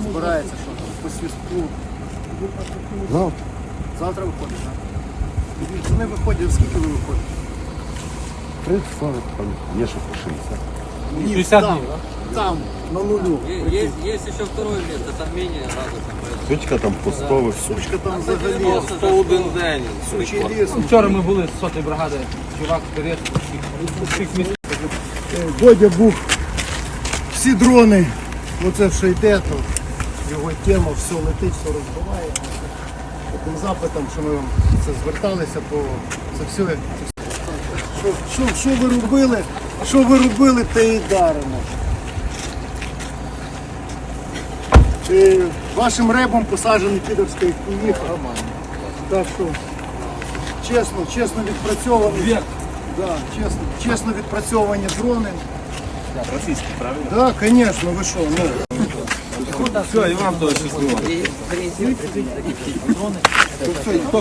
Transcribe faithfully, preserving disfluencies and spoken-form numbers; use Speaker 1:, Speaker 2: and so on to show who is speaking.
Speaker 1: збирається, що там, по свістку.
Speaker 2: Завтра.
Speaker 1: Завтра виходить, так? Вони виходять, скільки ви виходите?
Speaker 2: тридцять сорок, там є ще по шістдесят.
Speaker 1: Ні,
Speaker 3: шістдесят
Speaker 1: там,
Speaker 3: днів,
Speaker 1: там, на нулю.
Speaker 4: Есть, есть еще второе место, там менее радостно.
Speaker 2: Сучка там по сто висить.
Speaker 1: Сучка там взагалі.
Speaker 4: сто один день.
Speaker 1: Сучий ліс.
Speaker 3: Вчора ми були з сотої бригади, чувак вперед, всіх місць.
Speaker 1: Бодя був. Всі дрони, оце що йде, то його тема, все летить, все розбиває. Таким запитом, що ми вам це зверталися, то це все. Це все. Що, що, що ви робили? Що ви робили, те і даримо. І вашим ребом посаджений кидовський куїх. Так що чесно, чесно відпрацьовані. Да, чесно, чесно відпрацьовані дрони.
Speaker 3: Російські, правильно?
Speaker 1: Так, да, звісно, ви що, ну.
Speaker 3: Все, і вам теж щасливо.